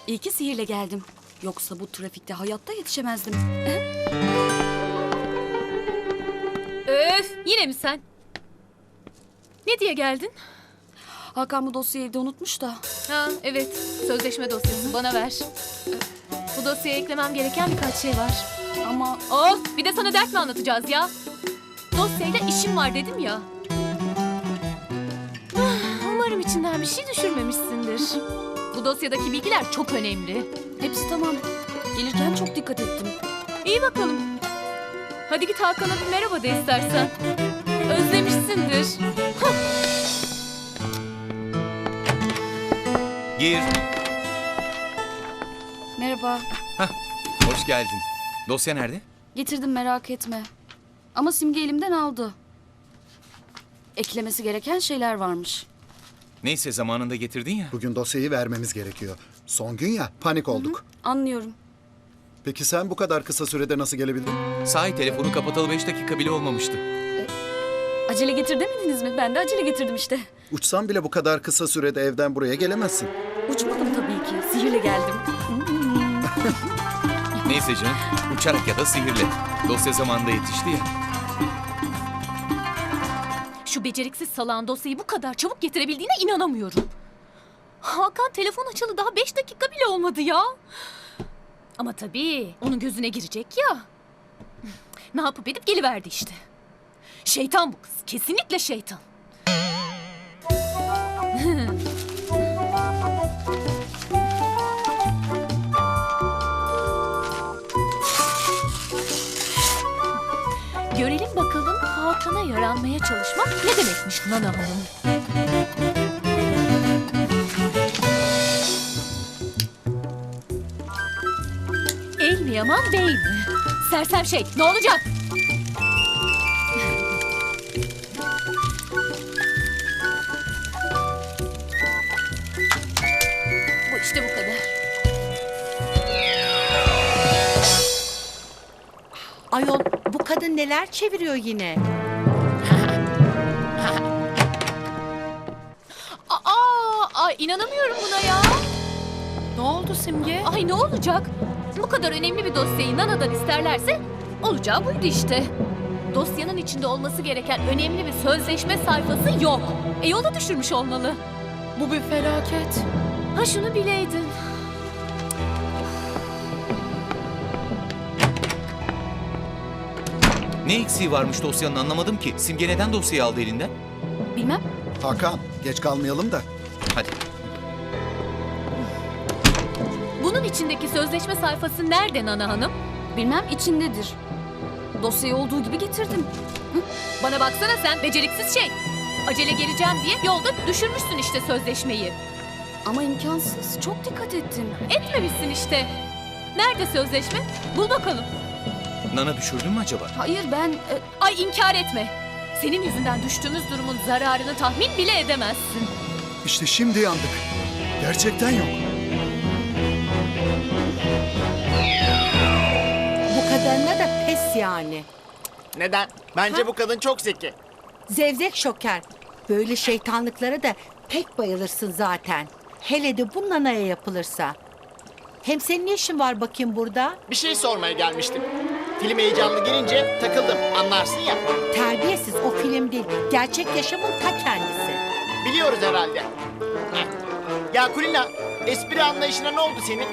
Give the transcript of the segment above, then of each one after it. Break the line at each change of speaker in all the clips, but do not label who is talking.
İyi ki sihirle geldim. Yoksa bu trafikte hayatta yetişemezdim.
Öf, yine mi sen? Ne diye geldin?
Hakan bu dosyayı evde unutmuş da.
Ha, evet, sözleşme dosyası bana ver. Bu dosyaya eklemem gereken birkaç şey var.
Ama
Of, bir de sana dert mi anlatacağız ya? Dosyayla işim var dedim ya. Umarım içinden bir şey düşürmemişsindir. Bu dosyadaki bilgiler çok önemli.
hepsi tamam. Gelirken çok dikkat ettim.
İyi bakalım. Hadi git Hakan'a bir merhaba de istersen. Özlemişsindir.
Gir.
Merhaba.
Hoş geldin. Dosya nerede?
Getirdim, merak etme. Ama Simge elimden aldı. Eklemesi gereken şeyler varmış.
Neyse zamanında getirdin ya.
Bugün dosyayı vermemiz gerekiyor. Son gün ya, panik olduk.
Anlıyorum.
Peki sen bu kadar kısa sürede nasıl gelebildin?
Sahi telefonu kapatalı 5 dakika bile olmamıştı.
Acele getir demediniz mi? Ben de acele getirdim işte.
Uçsan bile bu kadar kısa sürede evden buraya gelemezsin.
Uçmadım tabii ki. Sihirle geldim.
Neyse canım, uçarak ya da sihirle. Dosya zamanında yetişti ya.
Şu beceriksiz salağın dosyayı bu kadar çabuk getirebildiğine inanamıyorum. Hakan telefon açalı daha 5 dakika bile olmadı ya. Ama tabii onun gözüne girecek ya. Ne yapıp edip geliverdi işte. Şeytan bu kız. Kesinlikle şeytan. Görelim bakalım Hakan'a yaranmaya çalışmak ne demekmiş Nana Hanım. El mi yaman bey mi? Sersem şey, ne olacak? Bu işte bu kadar.
Ayol, bu kadın neler çeviriyor yine?
Ay inanamıyorum buna ya.
Ne oldu Simge?
Ay ne olacak? Bu kadar önemli bir dosyayı Nana'dan isterlerse olacağı buydu işte. Dosyanın içinde olması gereken önemli bir sözleşme sayfası yok. Yolda düşürmüş olmalı.
Bu bir felaket.
Ha şunu bileydin.
Ne eksiği varmış dosyanın anlamadım ki. Simge neden dosyayı aldı elinden?
Bilmem.
Hakan, geç kalmayalım da.
Hadi.
Bunun içindeki sözleşme sayfası nerede Nana Hanım?
Bilmem, içindedir. Dosyayı olduğu gibi getirdim.
Bana baksana sen beceriksiz şey. Acele geleceğim diye yolda düşürmüşsün işte sözleşmeyi.
Ama imkansız. Çok dikkat ettim.
Etmemişsin işte. Nerede sözleşme? Bul bakalım.
Nana düşürdün mü acaba?
Hayır ben...
Ay inkar etme. Senin yüzünden düştüğümüz durumun zararını tahmin bile edemezsin.
İşte şimdi yandık. Gerçekten yok.
Bu kadarına da pes yani.
Neden? Bence bu kadın çok zeki.
Zevzek şoker. Böyle şeytanlıklara da pek bayılırsın zaten. Hele de bu nanaya yapılırsa. Hem senin ne işin var bakayım burada?
Bir şey sormaya gelmiştim. Film heyecanlı gelince takıldım. Anlarsın ya.
Terbiyesiz, o film değil. Gerçek yaşamın ta kendisi.
Biliyoruz herhalde. Heh. Ya Kulina, espri anlayışına ne oldu senin?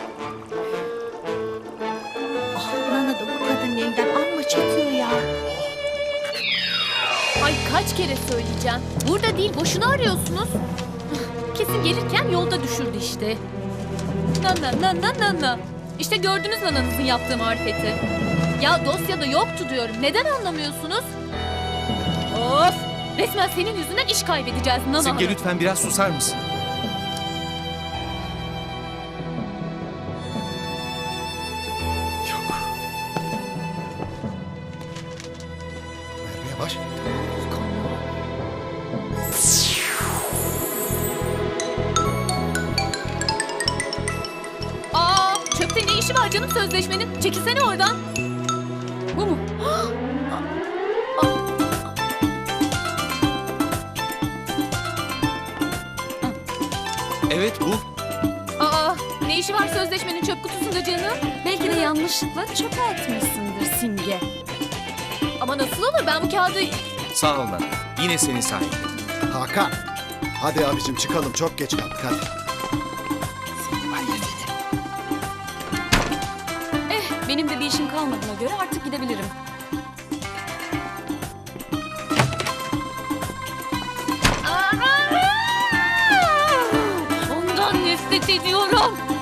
Ah, Nana da bu kadının elinden amma çekiyor ya.
Ay kaç kere söyleyeceğim. Burada değil boşuna arıyorsunuz. Kesin gelirken yolda düşürdü işte. Nana. İşte gördünüz nananızın yaptığı marifeti. Ya dosyada yoktu diyorum. Neden anlamıyorsunuz? Of! Resmen senin yüzünden iş kaybedeceğiz Nana
Simge
Hanım.
lütfen biraz susar mısın?
Yok. Merve yavaş.
Aa, çöpte ne işi var canım sözleşmenin? Çekilsene oradan. Bu mu?
Evet bu.
Aa, ne Ne işi var sözleşmenin çöp kutusunda canım?
Belki de yanlışlıkla çöpe atmışsındır Simge.
Ama nasıl olur, ben bu kağıdı...
Sağ ol Nana. Yine senin sayende.
Hakan. Hadi abicim çıkalım çok geç kaldık hadi. Seni var ya seni.
Benim de bir işim kalmadığına göre artık gidebilirim.
Ondan nefret ediyorum.